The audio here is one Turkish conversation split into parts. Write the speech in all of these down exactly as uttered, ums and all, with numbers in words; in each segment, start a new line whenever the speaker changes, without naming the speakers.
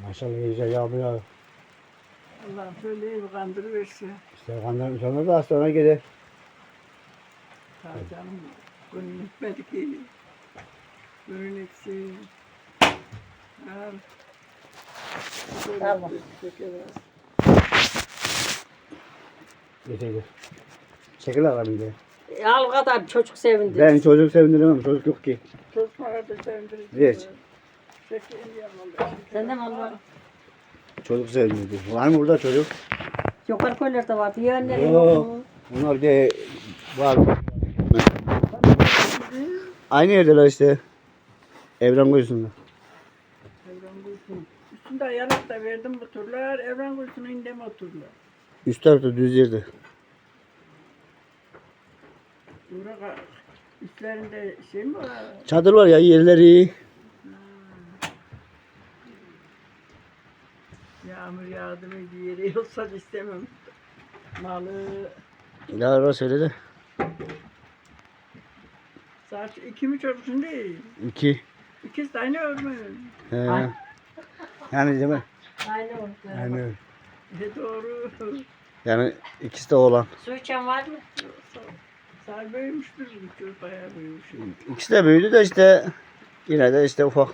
Maşallah iyice yağmur yağıyor.
Allah'ım şöyle iyi bir kandırıversin.
İşte kanlarım sonra da sonra gelir.
Ha canım günün etmedi ki. Günün etsin. Al.
Tamam.
Çekemez.
Yeter. Çekil alalım diye.
E, al kadar çocuk sevindi.
Ben çocuk sevindiremem. Çocuk yok ki.
Çocuklara da sevindirici.
Geç.
Çekeyim yapalım.
Sen de mi al?
Çocuk sevindirdi. Var mı burada çocuk?
Yukarı koylarda vardı. Yeğenleri
Yok.
yok mu?
Bunlar bir de var. Aynı yerdeler işte. Evren kuyusunda.
Evren Gülsün. Üstünde yanak da verdim bu turlar. Evren Gülsün'ün indeme oturlar.
Üst tarafta düz yerde.
Burada üstlerinde şey mi var?
Çadır var ya, yerleri iyi.
Yağmur yağdı mı bir yere yoksa istemem. Malı
Ya orası öyle de.
saat iki mi çocuksun değil.
İki.
İkisi de aynı örme.
He.
Ay.
Yani değil mi?
Aynı oldu.
Yani öyle.
E doğru.
Yani ikisi de oğlan.
Su içen var mı?
Sağ büyümüştür bu çocuk bayağı büyümüş.
İkisi de büyüdü de işte yine de işte ufak.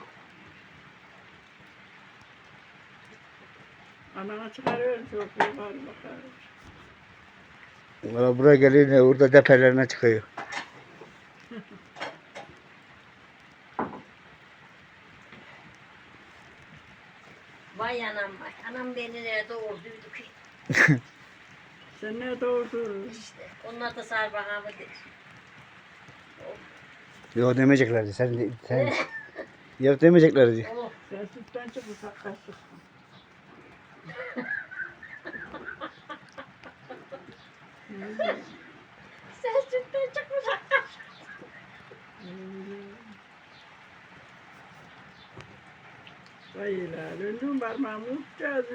Anana çıkarıyorum çok yukarı bakar.
Valla buraya gelince orada tepelerine çıkıyor.
Vay anam vay. Anam beni nerede doğurduydu ki?
Sen ne doğurdun?
İşte. Onlar da sarbahamı der.
Yok demeyeceklerdi. Sen, de- sen yok demeyeceklerdi.
Oh.
Sen sütten çık ufak kaçtık.
Sen sütten çıkmış hakikaten.
Vay la, döndüm parmağımı uçacağız.